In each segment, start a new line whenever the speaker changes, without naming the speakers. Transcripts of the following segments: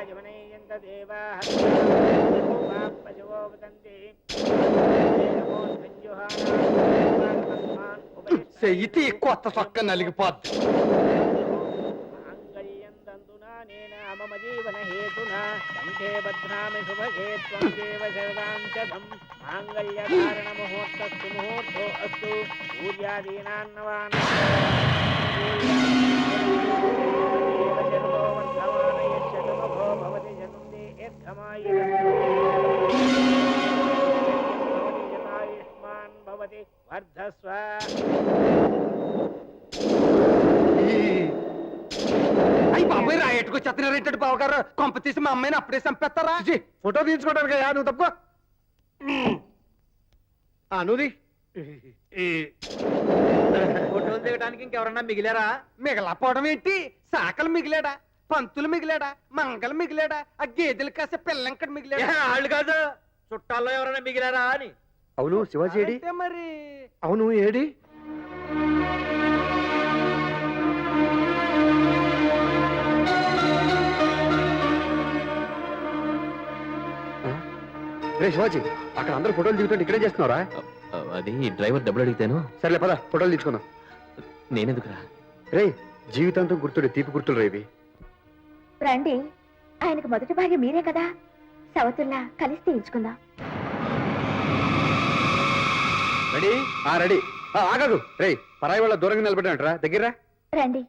చెయ్యి కొత్త చొక్క నలిగిపోద్ది.
మమ జీవన హేతునా కంఠే బధ్నామి శుభగే త్వం దేవ సర్వాంశదం మాంగళ్యధారణ ముహూర్తస్తు ముహూర్తో అస్తు పూజ్యాదీనాన్నవాన్ భవతి జనుందే యథమాయుష్మాన్ భవతి వర్ధస్వ.
అయ్యి బాబాయ్ రాయట్టుకు చెత్తనారేంటంటే బావగారు కొంప తీసి మా అమ్మాయిని అప్పుడే చంపేస్తారా?
ఫోటో తీయించుకోవడానికి నువ్వు తప్పుకో. నువ్వు
ఫోటోలు దిగడానికి ఇంకెవరన్నా మిగిలారా? మిగలపోవడం ఏంటి? శాఖలు మిగిలాడా, పంతులు మిగిలాడా, మంగళ మిగిలాడా, ఆ గేదెలు కాసే పిల్లంకడ మిగిలాడా?
వాళ్ళు కాదు, చుట్టాల్లో ఎవరైనా మిగిలారా అని.
అవును శివాజీ ఏడి?
మరి
అవును ఏడి? రే శివాజీ, అక్కడ అందరూ ఫోటోలు దిగుతుంటే ఇక్కడే చేస్తున్నారా?
అది డ్రైవర్ డబ్బులు అడిగితేను.
సర్లే పద ఫోటోలు తీసుకుందాం.
నేనెందుకురా?
రే జీవితాంతం గుర్తుడే తీపి గుర్తులు రేవి.
రండి, ఆయనకు మొదటి భార్య మీరే కదా, సవతుల్లా కలిసి తీయించుకుందాం.
రెడీ? రెడీ. ఆగదు రే, పరాయి వాళ్ళ దూరంగా నిలబడినట్రా, దగ్గర
రండి.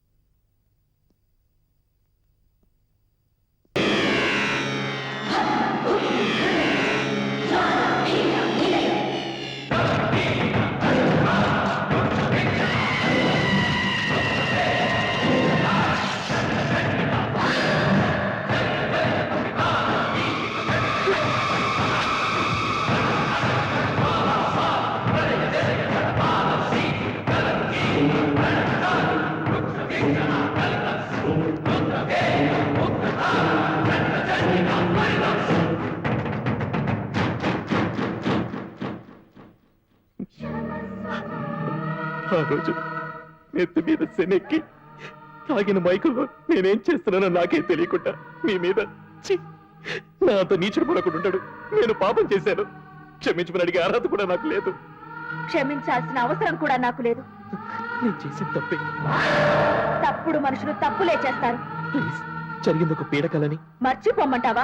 ఆ రోజు నెత్తి మీద శనెక్కి తాగిన మైకులో నేనేం చేస్తున్నానో నాకే తెలియకుండా మీ మీద నా అంత నీచుడు పడకుండా ఉంటాడు. నేను పాపం చేశాను, క్షమించమని అడిగే అర్హత కూడా నాకు లేదు.
క్షమించాల్సిన అవసరం కూడా నాకు లేదు.
నేను చేసిన తప్పే.
తప్పుడు మనుషులు తప్పులే చేస్తారు.
ప్లీజ్, జరిగింది ఒక పీడకలని
మర్చిపోమ్మంటావా?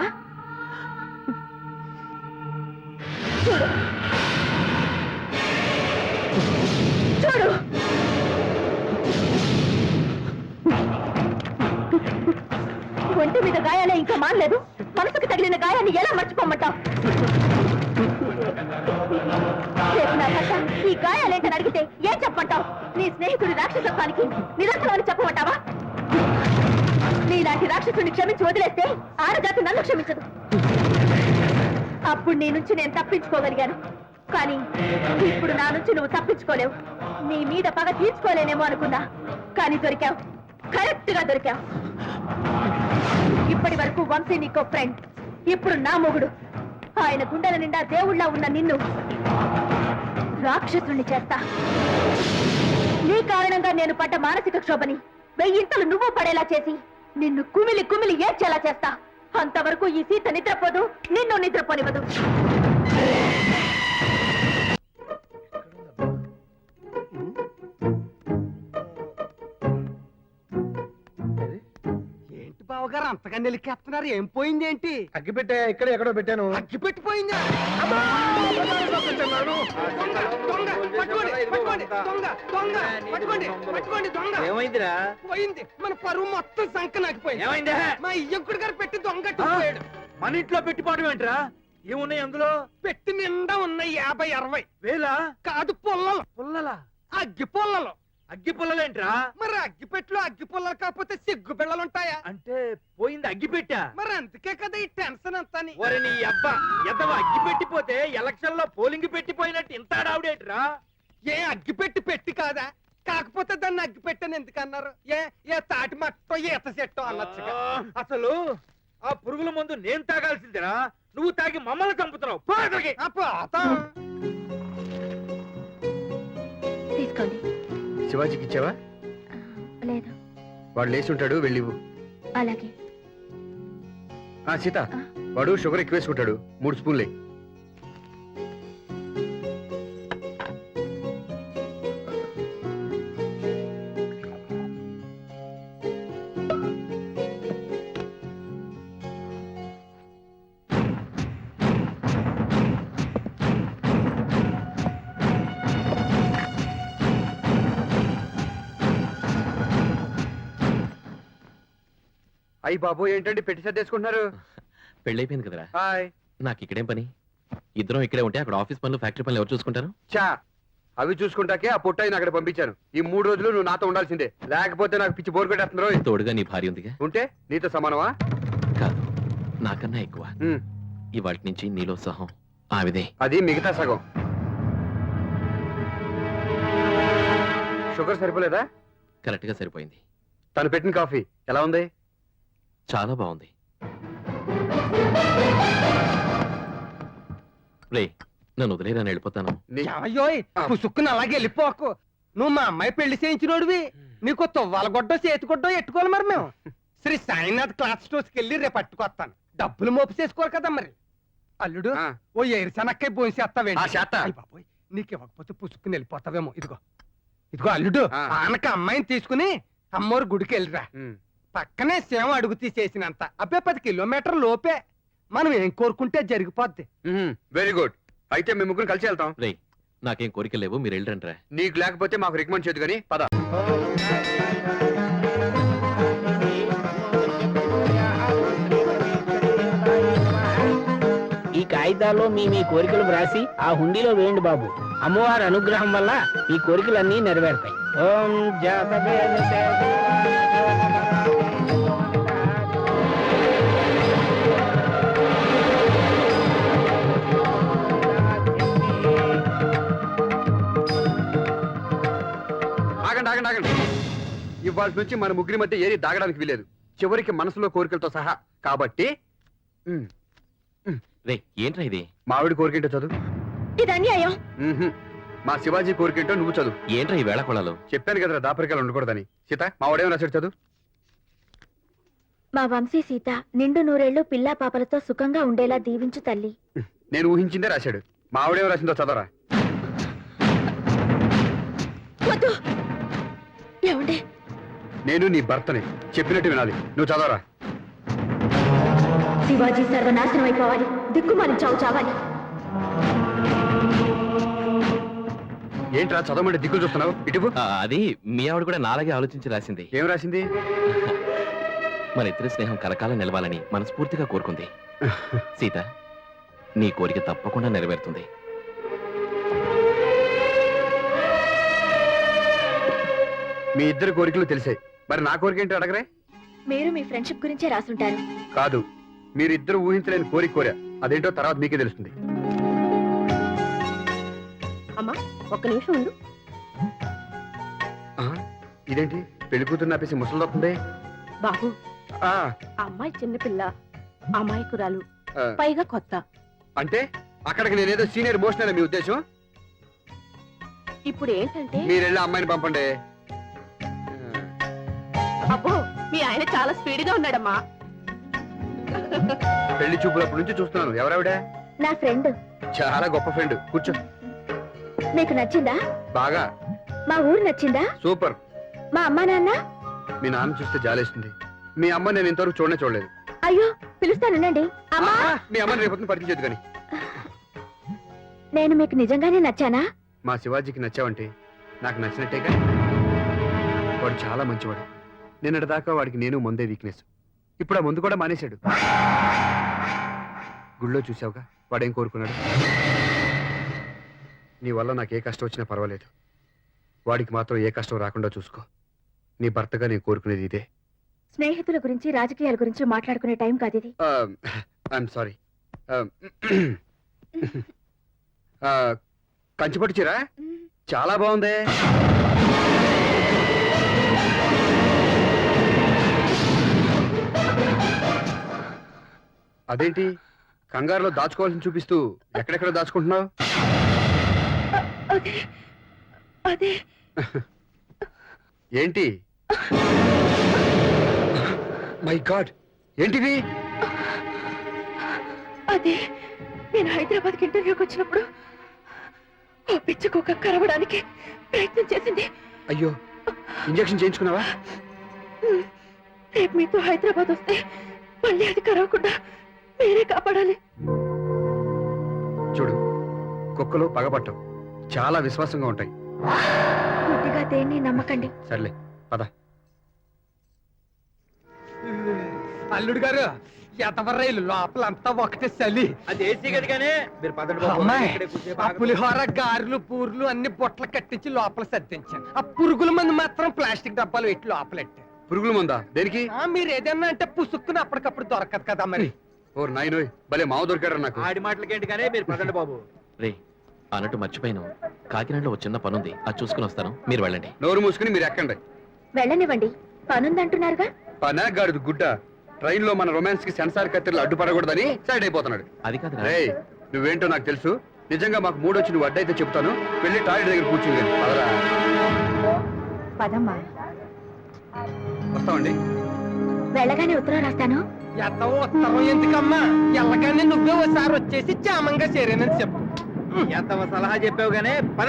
చూడు చూడు, ఒంటి మీద గాయాలే ఇంకా మానలేదు, మనసుకు తగిలిన గాయాన్ని ఎలా మర్చిపోమ్మంటావు? రేపు నా భర్త ఈ గాయాలేంటని అడిగితే ఏం చెప్పమంటావు? నీ స్నేహితుడి రాక్షసత్వానికి నిరంతరం అని చెప్పమంటావా? నీలాంటి రాక్షసుని క్షమించి వదిలేస్తే ఆరజాతి నన్ను క్షమించదు. అప్పుడు నీ నుంచి నేను తప్పించుకోగలిగాను, కానీ ఇప్పుడు నా నుంచి నువ్వు తప్పించుకోలేవు. నీ మీద పగ తీర్చుకోలేనేమో అనుకున్నా, కానీ దొరికావు, కరెక్ట్ గా దొరికావు. ఇప్పటి వరకు వంశీ నీకో ఫ్రెండ్, ఇప్పుడు నా మొగుడు. ఆయన గుండెల నిండా దేవుళ్ళ ఉన్న నిన్ను రాక్షసుని చేస్తా. నీ కారణంగా నేను పడ్డ మానసిక క్షోభని వెయ్యింతలు నువ్వు పడేలా చేసి నిన్ను కుమిలి కుమిలి ఏడ్చేలా చేస్తా. అంతవరకు ఈ సీత నిద్రపోదు, నిన్ను నిద్రపోనివ్వదు.
ఏంటి బావగారు అంతగా నిలికేస్తున్నారు? ఏం పోయింది ఏంటి?
అగ్గి పెట్టా, ఇక్కడ ఎక్కడో పెట్టాను.
అగ్గి పెట్టిపోయిందా?
ఏమైందిరా?
పోయింది. మన పరువు మొత్తం సంక నాకిపోయింది.
ఏమైందా?
మా ఇయ్యంకుడు గారు పెట్టి దొంగట్టిపోయాడు.
మన ఇంట్లో పెట్టిపోవడం ఏంట్రా? ఏమున్నాయి అందులో?
పెట్టి నిండా ఉన్నాయి 50-60
వేలా?
కాదు, పుల్లలు.
పుల్లలా?
అగ్గి పుల్లలు.
అగ్గి పుల్లలేంట్రా?
మరి అగ్గి పెట్టులో అగ్గి పుల్లలు కాకపోతే సిగ్గు బిళ్ళలు ఉంటాయా?
అంటే పోయింది అగ్గి పెట్టా?
మరి అందుకే కదా ఈ టెన్షన్ అంతా.
ఒరే నీ అబ్బా, ఎద్దవ అగ్గి పెట్టిపోతే ఎలక్షన్ లో పోలింగ్ పెట్టిపోయినట్టు ఇంత ఆడావుడేట్రా?
ఏ అగ్గి పెట్టి కాదా? కాకపోతే దాన్ని అగ్గి పెట్టని ఎందుకు అన్నారు? ఏ తాటి మట్టో ఈత చెట్టో అనొచ్చుగా.
అసలు ఆ పురుగుల మందు నేను తాగాల్సిందిరా, నువ్వు తాగి మమ్మల్ని చంపుతున్నావు.
తీసుకోండి.
శివాజీకి ఇచ్చావా?
లేదు.
వాడు లేచి ఉంటాడు, వెళ్ళివు.
అలాగే.
సీత వాడు షుగర్ ఎక్కువ వేసుకుంటాడు 3 స్పూన్లే. అయ్యి బాబు ఏంటండి పెట్టి సర్దేసుకుంటున్నారు?
పెళ్ళైపోయింది కదరా,
హాయ్.
నాకు ఇక్కడేం పని? ఇద్దరం ఇక్కడే ఉంటే అక్కడ ఆఫీస్ పనులు ఫ్యాక్టరీ పనులు ఎవరు చూసుకుంటారు?
చా అవి చూసుకుంటాకే ఆ పొట్టాయిని అక్కడ పంపించాను. ఈ 3 రోజులు నువ్వు నాతో ఉండాల్సిందే, లేకపోతే నాకు పిచ్చి బోర్ కొట్టేస్తున్నారు.
తోడుగా నీ భార్య ఉందిగా.
ఉంటే నీతో సమానమా?
కాదు, నాకన్నా ఎక్కువ.
ఉమ్,
ఇవాటి నుంచి నీలో సహం ఆవిదే.
అది మిగతా సగం. షుగర్ సరిపోలేదా?
కరెక్ట్ గా సరిపోయింది.
తను పెట్టిన కాఫీ ఎలా ఉంది?
చాలా బాగుంది. రే, నన్ను వదిలేరా, నేను వెళ్ళిపోతాను.
అయ్యోయ్ పుసుక్కుని అలాగే వెళ్ళిపోకు. నువ్వు మా అమ్మాయి పెళ్లి చేయించినోడివి, నీకు తువ్వాలగొడ్డో చేతిగొడ్డో ఎట్టుకోవాలి. మరి మేము శ్రీ సాయినాథ్ క్లాత్ స్టోర్స్కి వెళ్ళి రేపు పట్టుకొస్తాను. డబ్బులు మోపు చేసుకోరు కదా మరి. అల్లుడు
ఆ.
ఓ ఎరిసనక్కై భోంచేస్తావేంటి?
ఆ, చేత్తా.
అయ్ బాబోయ్, నీకు ఇవ్వకపోతే పుసుక్కుని వెళ్ళిపోతావేమో. ఇదిగో ఇదిగో అల్లుడు,
ఆ.
ఆనక అమ్మాయిని తీసుకుని అమ్మోరు గుడికి వెళ్ళిరా.
ఉమ్,
పక్కనే సేవ అడుగు తీసేసినంత అబ్బే 10 కిలోమీటర్ లోపే. మనం ఏం కోరుకుంటే జరిగిపోద్ది.
Very good. అయితే మేము ముగ్గురు కలిసి వెళ్తాం.
రే, నాకేం కోరిక లేవు, మీరు వెళ్ళండి రా.
నీకు లేకపోతే మాకు రికమెండ్ చేయదు కానీ పద.
ఈ కాగితాల్లో మీ కోరికలు వ్రాసి ఆ హుండీలో వేయండి బాబు. అమ్మవారి అనుగ్రహం వల్ల మీ కోరికలన్నీ నెరవేరుతాయి. ఓం జాతవేద
ఆగండి ఆగండి ఆగండి. ఇవాళ నుంచి మన ముగ్గురి మధ్య ఏది దాగడానికి వీలేదు, చివరికి మనసులో కోరికలతో సహా. కాబట్టి ఉమ్,
రే, ఏంట్రా ఇది?
మావిడి కోరికేంటో చదువు.
ఇది అన్యాయం.
ఉహుం. మా శివాజీ కోరికేంటో నువ్వు చదువు.
ఏంట్రా ఈ వేళ కొళాలు?
చెప్పాను కదరా దాపరికాలు ఉండకూడదని. సీత మా వాడేమో రాశాడు, చదువు.
మా వంశీ సీత నిండు నూరేళ్లు పిల్లా పాపలతో సుఖంగా ఉండేలా దీవించు తల్లి.
నేను ఊహించిందే రాశాడు. మా ఆవిడేమో రాసిందో చదవరా.
వద్దు. ఏమండి,
నేను నీ భర్తని, చెప్పినట్టు వినాలి. నువ్వు చదవరా.
శివాజీ సర్వనాశనం అయిపోవాలి, దిక్కుమాలి చావు చావాలి.
ఏంట్రా చదవమంటే దిక్కులు చూస్తున్నావు? ఇటువు.
అది మీ ఆవిడ కూడా నాలాగే ఆలోచించి రాసింది.
ఏం రాసింది?
మన ఇద్దరి స్నేహం కలకాలం నిలవాలని మనస్ఫూర్తిగా కోరుకుంది. సీత, నీ కోరిక తప్పకుండా నెరవేరుతుంది.
మీ ఇద్దరు కోరికలు తెలిసాయి, మరి నా కోరిక ఏంటో అడగరే.
మీరు మీ ఫ్రెండ్షిప్ గురించే రాసుంటారు.
కాదు, మీరిద్దరు ఊహించలేని కోరిక కోరా. అదేంటో తర్వాత మీకే తెలుస్తుంది.
అమ్మా, ఒక్క నిమిషం ఉండు.
ఆ, ఇదేంటి పెళ్లి కూతురు నాపేసి ముసలిదవుతుంది?
బాబు,
ఆ,
అమ్మాయి చిన్నపిల్ల, అమాయకురాలు,
ఆ,
పైగా కొత్త.
అంటే అక్కడికి నేనేదో సీనియర్ మోషన్ మీ ఉద్దేశం?
ఇప్పుడు ఏంటంటే,
మీరెళ్ళి అమ్మాయిని పంపండి.
అబ్బో, మీ ఆయన చాలా స్పీడ్ గా ఉన్నాడమ్మా.
పెళ్లి చూపులప్పటి నుంచి చూస్తున్నాను. ఎవరావిడ?
నా ఫ్రెండ్.
చాలా గొప్ప ఫ్రెండ్. కూర్చో.
మీకు నచ్చిందా?
బాగా.
మా ఊరు నచ్చిందా?
సూపర్.
మా అమ్మా నాన్న?
మీ నాన్న చూస్తే జాలేస్తుంది. మీ అమ్మ నేను ఇంతవరకు చూడలేదు.
అయ్యో, పిలుస్తానండి. అమ్మా,
మీ అమ్మని రేపు పరిచయం చేయదు కానీ.
నేను మీకు నిజంగానే నచ్చానా?
మా శివాజీకి నచ్చావంటే నాకు నచ్చినట్టేగా. వాడు చాలా మంచివాడు. నిన్నటి దాకా వాడికి నేను ముందే వీక్నెస్. ఇప్పుడు ఆ ముందు కూడా మానేశాడు. గుళ్ళో చూసావుగా వాడేం కోరుకున్నాడు. నీ వల్ల నాకు ఏ కష్టం వచ్చినా పర్వాలేదు, వాడికి మాత్రం ఏ కష్టం రాకుండా చూసుకో. నీ భర్తగా నేను కోరుకునేది ఇదే.
స్నేహితుల గురించి రాజకీయాల గురించి మాట్లాడుకునే టైం కాదు ఇది.
I'm sorry. కంచిపట్టు చీర చాలా బాగుంది. అదేంటి కంగారులో దాచుకోవాల్సిన చూపిస్తూ ఎక్కడెక్కడ దాచుకుంటున్నావు?
అదే
ఏంటి? మై గాడ్, ఏంటిది?
అదే నేను హైదరాబాద్కి ఇంటర్వ్యూకి వచ్చినప్పుడు ఆ పిచ్చుకోక కరవడానికి ప్రయత్నం చేసింది.
అయ్యో, ఇంజెక్షన్ చేయించుకున్నావా?
రేపు మీతో హైదరాబాద్ వస్తే మళ్ళీ అది కరవకుండా మీరే కాపాడాలి.
చూడు, కుక్కలు పగపట్టవు, చాలా విశ్వాసంగా ఉంటాయి.
గుడ్డిగా దేన్ని నమ్మకండి.
సర్లే, పద.
అల్లుడు గారు, ఎతవర్రైలు లోపలంతా ఒకటే చలి.
అది ఏసీ గదిగానే మీరు పదండి బాబు.
అమ్మాయి,
ఇక్కడే కూర్చోే
ఆ పులిహోర గారెలు పూర్లు అన్ని బొట్టలు కట్టించి లోపల సర్దించాను. ఆ పురుగుల మందు మాత్రం ప్లాస్టిక్ డబ్బాలు పెట్టి లోపలెట్టాను.
పురుగుల మందా? దేనికి?
మీరు ఏదన్నా అంటే పుసుక్కుని అప్పటికప్పుడు దొరకదు కదా మరి.
ఓ నాయనోయ్, భలే మావ దొరికాడు నాకు.
ఆడి మాటలకేంటి కానీ మీరు పదండి బాబు.
రే అన్నట్టు మర్చిపోయాను, కాకినాడలో ఒక చిన్న పనుంది, అది చూసుకుని వస్తాను, మీరు వెళ్ళండి.
నోరు మూసుకుని మీరు ఎక్కండి.
వెళ్ళనివ్వండి, పనుందంటున్నారుగా.
పనాగాడు గుడ్డ, ట్రైన్ లో మన రొమాన్స్ కి సెన్సార్ కత్తిరలు అడ్డుపడకూడదని సైడ్ అయిపోతున్నాడు.
అది కాదు
రే, నువ్వేంటో నాకు తెలుసు. నిజంగా మాకు మూడొచ్చి నువ్వు అడ్డైతే చెప్తాను. వెళ్ళి టాయిలెట్ దగ్గర కూర్చుని పదరా.
పదమ్మా.
వస్తామండి.
వెళ్ళగానే ఉత్తరం రాస్తాను.
ఎంత ఉత్తరం ఎందుకమ్మా, ఎల్లగానే నువ్వే ఒకసారి వచ్చేసి క్షేమంగా చేరేనని చెప్పు.
ఎంత సలహా చెప్పావు గానే పద.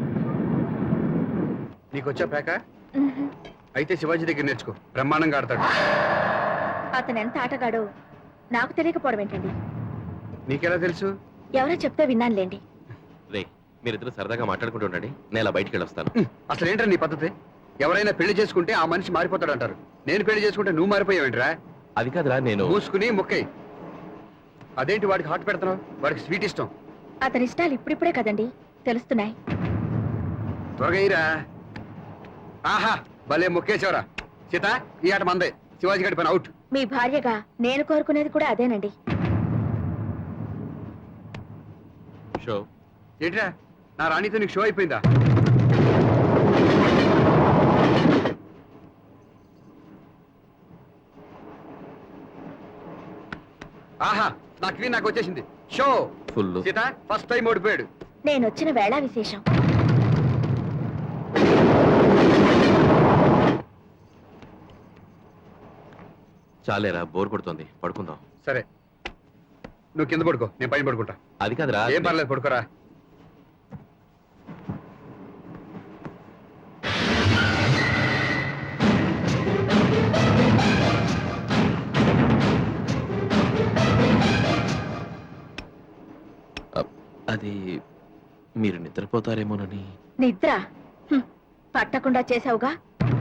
నీకొచ్చా పేక? అయితే శివాజీ దగ్గర నేర్చుకో, బ్రహ్మాండంగా ఆడతాడు.
అతను ఎంత ఆటగాడో నాకు తెలియకపోవడం ఏంటండి?
నీకెలా తెలుసు?
ఎవరో చెప్తే విన్నానులేండి.
రే మీరిద్దరు సరదాగా మాట్లాడుకుంటూ ఉండండి, నేను ఇలా బయటికి వెళ్ళొస్తాను.
అసలు ఏంట్రా నీ పద్ధతి? ఎవరైనా పెళ్లి చేసుకుంటే ఆ మనిషి మారిపోతాడు అంటారు. నేను పెళ్లి చేసుకుంటే నువ్వు మారిపోయావేంట్రా?
అది కాదురా, నేను
మూసుకుని మొక్కై. అదేంటి వాడికి హాట్ పెడుతున్నావు? వాడికి స్వీట్ ఇష్టం.
అతని ఇష్టాలు ఇప్పుడిప్పుడే కదండి తెలుస్తున్నాయి.
త్వరగా ఇరా. ఆహా, భలే మొక్కేశావరా. సీత, ఈ ఆట మందే. శివాజీ గడి పని అవుట్.
మీ భార్యగా నేను కోరుకునేది కూడా అదేనండి.
షో
ఏంట్రా, నా రాణితో నీకు షో అయిపోయిందా? ఆహా, నాకు వచ్చేసింది show.
Full.
Sita first time ఓడిపోయాడు.
నేను వచ్చిన వేళ విశేషం.
చాలేరా, బోర్ కొడుతుంది, పడుకుందాం.
సరే, నువ్వు కింద పడుకో, నేను పైన పడుకుంటా.
అది కాదురా,
ఏం పర్లేదు, పడుకోరా.
అది మీరు నిద్రపోతారేమోనని.
నిద్ర పట్టకుండా చేసావుగా.